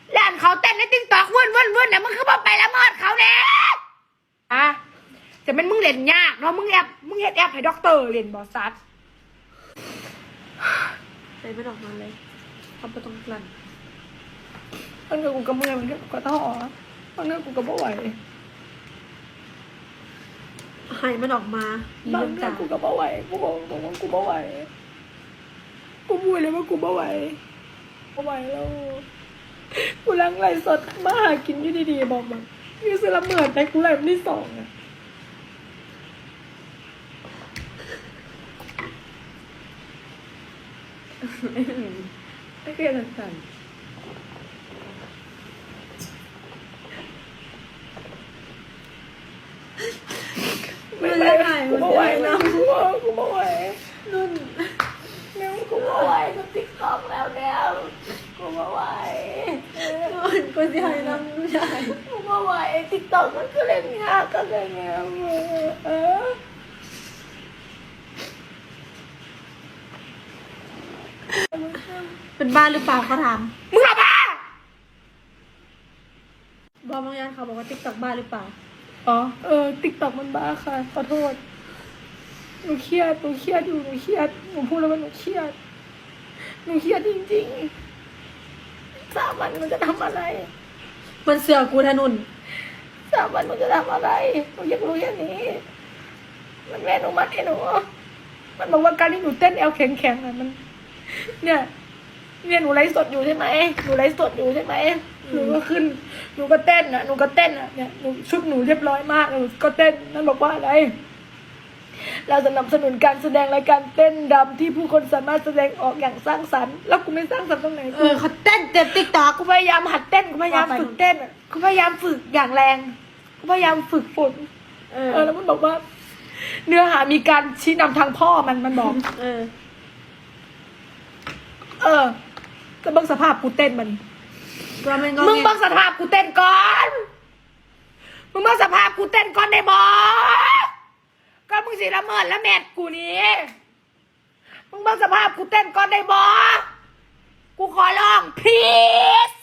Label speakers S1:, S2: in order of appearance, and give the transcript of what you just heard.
S1: ร้านเขาเต้นในติ๊กต็อกวุ่นน่ะมึงคือบ่ไปละเมิดเขาเนี่ยอ่ะแต่มันมึงเล่นยากเนาะมึงเฮ็ดแอปให้ด็อกเตอร์เล่นบอสัต
S2: ใจไม่ออกมาเลยเขาไปตรงกลั่น
S1: บางเรื่องกูก็เมื่อยบางเรื่องกูก็ท้อบางเรื่องกูก็บ่ไหว
S2: หายมันออกมา
S1: บางเรื่องกูก็บ่ไหวกูบอกตรงว่ากูบ่ไหวกูพูดเลยว่ากูบ่ไหวแล้วกูล้างไหลสดมาหากินอยู่ดีๆบอกแบบนี่คือละเมิดแต่กูไหลที่ 2อ่ะไม่เคยสั่นไม่ไหวกูไม่ไหวนะกูไม่ไหว
S2: นุ่น
S1: เนี่ยกูไม่ไหวกูติ๊กต็อกแล้วกูไม่ไหว
S2: นุ่นกูจะให้น้ำผู้ชาย
S1: กูไม่ไหวติ๊กต็อกมันก็เล่นยากก็เล่นยาก
S2: เป็นบ้าหรือเปล่าเขาถาม
S1: มึงบ้า
S2: บอกบางอย่างเขาบอกว่าติ๊กต็อกบ้าหรือเปล่า
S1: อ๋อติ๊กต็อกมันบ้าค่ะขอโทษหนูเครียดอยู่หนูพูดแล้วว่าหนูเครียดจริงๆ3 วันมันจะทำอะไร
S2: มันเสือกูทะนุน
S1: 3 วันมันจะทำอะไรหนูอยากรู้อย่างนี้มันแม่หนูมัดให้หนูมันบอกว่าการที่หนูเต้นแอลแข็งๆอ่ะมันเนี่ยหนูไลฟ์สดอยู่ใช่ไหมหนูก็ขึ้นหนูก็เต้นอ่ะเนี่ยหนูชุดหนูเรียบร้อยมากหนูก็เต้นนั่นบอกว่าอะไรเราสนับสนุนการแสดงรายการเต้นรำที่ผู้คนสามารถแสดงออกอย่างสร้างสรรค์แล้วกูไม่สร้างสรรค์ตรงไหน
S2: เขาเต้นเต็มติ๊กต็อก
S1: กูพยายามหัดเต้นกูพยายามฝึกเต้นกูพยายามฝึกอย่างแรงกูพยายามฝึกฝนแล้วมันบอกว่าเนื้อหามีการชี้นำทางพ่อมันบอกก็เบิ่งสภาพกูเต้นมันมึงเบิ่งสภาพกูเต้นก่อนได้บ่ก็มึงสิละเมิดละแมดกูนี่มึงเบิ่งสภาพกูเต้นก่อนได้บ่กูขอร้อง please